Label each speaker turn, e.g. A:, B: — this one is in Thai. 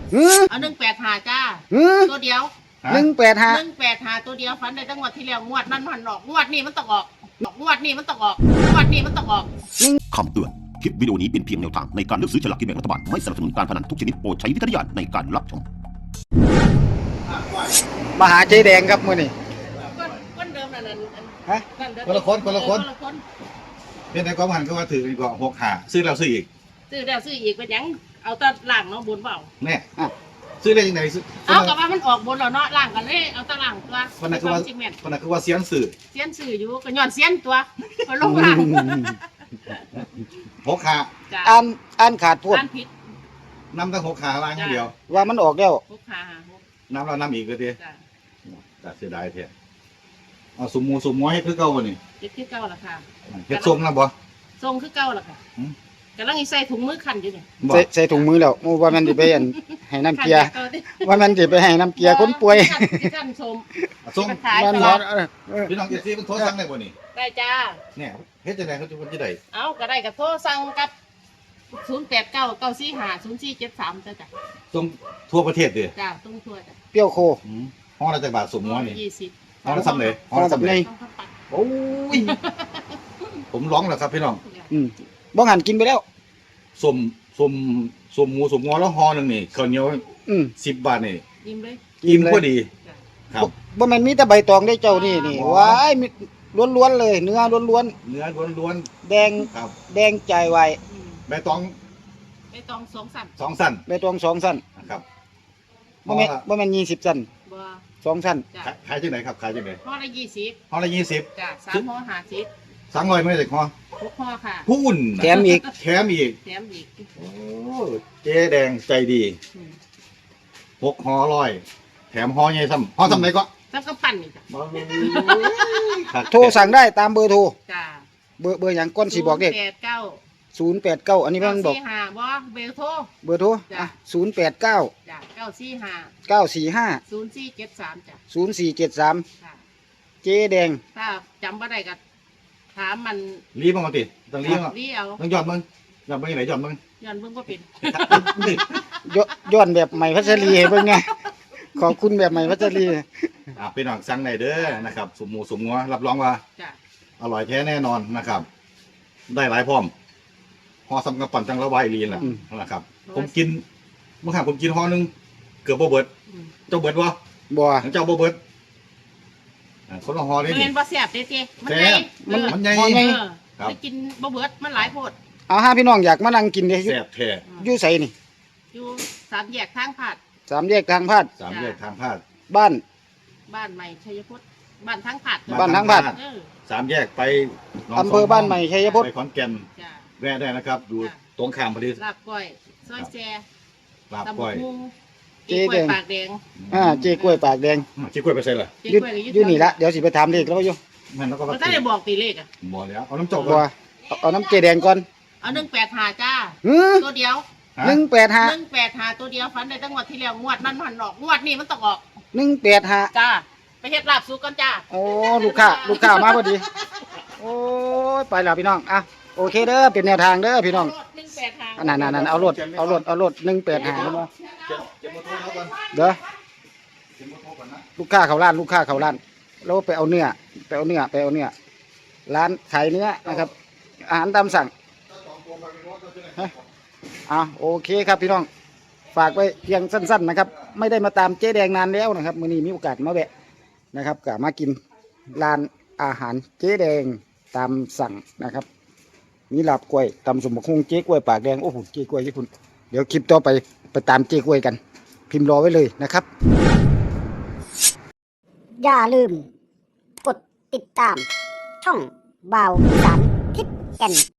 A: เอา185จ้าตัวเดียว185ตัวเดียวฝันในจังหวัดที่แล้วงวดนั้นมันออกงวดนี้มันต้องออกงวดนี้มันต้องออกงวดนี้มันต้องออก
B: คำเตือนคลิปวิดีโอนี้เป็นเพียงแนวทางในการเลือกซื้อฉลากกินแบ่งรัฐบาลไม่สนับสนุนการพนันทุกชนิดโปรดใช้วิจารณญาณในการรับชม
C: มาหาเจ๊แดงครับมื้อนี้
A: คนเดิมนั่น
C: ฮะ
D: คนละคนเป็นในความหันก็ว่าถืออีกก็6 หาซื้อแล้วซื้ออีก
A: ซื้อแล้วซื้ออีกเป็นยังเอาตะล่างเนาะบนเปล่า
D: แน่ซื้อได้ยังไงซื้อ
A: เอากับว่ามันออกบนแล้วเนาะล่างกันเลยเอาตะล่างตัว
D: คนนั้นคือว่าเสียนสื่อ
A: อยู่ก็ย้อนเสียนตัวก็ลงล่าง
D: 6 หา
C: อ่านขาดพูด
A: อ่านผิด
D: นำตั้ง6 หาล่างอย่างเดียว
C: ว่ามันออกแล้ว
A: 6 หา
D: น้ำเราน้ำอีกเลยทีแต่เสียดายเถอะเอาสุ่มหมูให้คือเก่าบ่นี่
A: คือเก่าล่ะค่ะ
D: เฮ็ดส้มนะบ่
A: ส้มคือเก่าล่ะค่ะกำลังใส่ถุงมือขันอยู่นี่
C: ใส่ถุงมือแล้วว่ามันสิไปให้น้ำเกลือว่ามันสิไปให้น้ำเกลือคนป่วย
A: ขันส้ม
D: มันพี่น้องเอฟซีมันโทรสั่งได้บ่นี่
A: ได้จ้า
D: เนี่ยเฮ็ดจังได๋เขาจะได้
A: เอาก็ได้ก็โทรสั่งกับ0899450473จ้ะ
D: ส่งทั่วประเทศเด้อ
A: จ้าส่งทั่วจ้ะ
C: เปรี้ยวโค
D: ห้องละจักบาทสุ่มหมูนี่
A: 20
D: ห้องละซ้ำเลยห้องละซ้ำเลยโอ้ยผมร้องแล้วครับพี่น้อง
C: บ่หันกินไปแล้ว
D: สุ่มหมูสุ่มงอแล้วห่อนึงนี่ข้าวเหนียว10 บาทนี่
A: อิ่มเลย
D: อิ่มพอดีครับ
C: บ่แม่นมีแต่ใบตองได้เจ้านี่ว้ายล้วนๆเลยเนื้อล้วนๆแดงครับแดงใจไว
D: ใบตอง
A: 2 สั้น
C: ใบตอง2 สั้น
D: นะครับ
C: บ่แม่น20 สั้น
A: บ่
C: 2 สั้น
D: ขายที่ไหนครับขายที่ไหน
A: ห่อละ20
D: ห่อละ20
A: จ้ะ3ห่อ50
D: 300ไม่ได้ห่อ
A: 6ห่อค่ะ
D: พูน
C: แถมอีก
D: โอ้เจ๊แดงใจดี6ห่อ100แถมห่อใหญ่ซ้ำห่อซ้ำไหนก็
A: ซ้ำกับปั่นนี่จ้ะ
C: โทรสั่งได้ตามเบอร์โทร
A: จ้ะ
C: เบอร์หยังก้นสิบอกเด็ก089อันนี้เพิ่นบอก
A: บ่เบอร์โทร
C: 089
A: จ้ะ945 0473จ้ะ
C: เจ๊แดง
A: ถ้าจำบ่ได้ก็ถามมัน
D: รีบมาติต้องรีบ
A: เอา
D: ต้องย้อนมึงย้อนไหนย้อนมึง
A: ก็เป็น
C: ย้อนแบบใหม่พัชรีให้เบิ่งไงขอบคุณแบบใหม่พัชรี
D: พี่น้องสั่งได้เด้อนะครับสุ่มหมูสุ่มงัวรับรองว่าอร่อยแท้แน่นอนนะครับได้หลายพร้อมห่อซ้ำกับปั่นจังละวายลีนแหละนะครับผมกินเมื่อครั้งผมกินห่อนึงเกือบบ่เบิดเจ้าเบิดบ่เจ้าบ่เบิดคนละห่อนี่
A: มันบ่แซ่บเด้
D: มันใหญ่
A: ไปกินบ่เบิดมันหลายโพด
C: เอา5พี่น้องอยากมานั่งกินเด้
D: แซ่บแท้
C: อยู่ไสนี่
A: อยู่3 แยกทางพาด
C: 3 แยกทางพาดบ้
A: านใหม่ชัยพจน์บ้านทางพาด
D: 3 แยกไป
C: อำเภอบ้านใหม่ชัยพจน์
D: ไปขอนแก่นแวะได้นะครับดูตรงข้ามพอดี
A: ลาบก้อยซอยแซ่
D: ลาบก้อย
A: เจ๊กล้วยปากแดง
C: เจ๊กล้วยปากแดง
D: เจ๊กล้วยไปใส่เหรอ
C: อยู่นี่ละเดี๋ยวสิไปถามเลขแล้วอยู่
D: นั่นแล้วก็
A: บ่ได้บอกตีเลข
D: บ่แล้วเอาน้ำจอก
C: ก่อนเอาน้ำเจ๊แดงก่อน
A: เอา185จ้าตัวเดียว185ตัวเดียวฝันในจังหวัดที่แล้วงวดนั้นมันออกงวดนี้มันต้องออก
C: 185
A: จ้าไปเฮ็ดลาบสุกก่อนจ้า
C: โอ้ลูกค้ามาพอดีโอ้ยไปแล้วพี่น้องอ่ะโอเคเด้อเป็นแนวทางเด้อพี่น้องนั่นเอารถ185เด้อลูกค้าเข้าร้านแล้วไปเอาเนื้อร้านขายเนื้อนะครับอาหารตามสั่งโอเคครับพี่น้องฝากไว้เพียงสั้นๆนะครับไม่ได้มาตามเจ๊แดงนานแล้วนะครับมื้อนี้มีโอกาสมาแวะนะครับก็มากินร้านอาหารเจ๊แดงตามสั่งนะครับมีลาบกล้วยตำสมบักฮุงเจ๊กล้วยปากแดงโอ้โหเจ๊กล้วยที่คุณเดี๋ยวคลิปต่อไปตามเจ๊กล้วยกันพิมพ์รอไว้เลยนะครับ
E: อย่าลืมกดติดตามช่องบ่าวอีสานทิศแก่น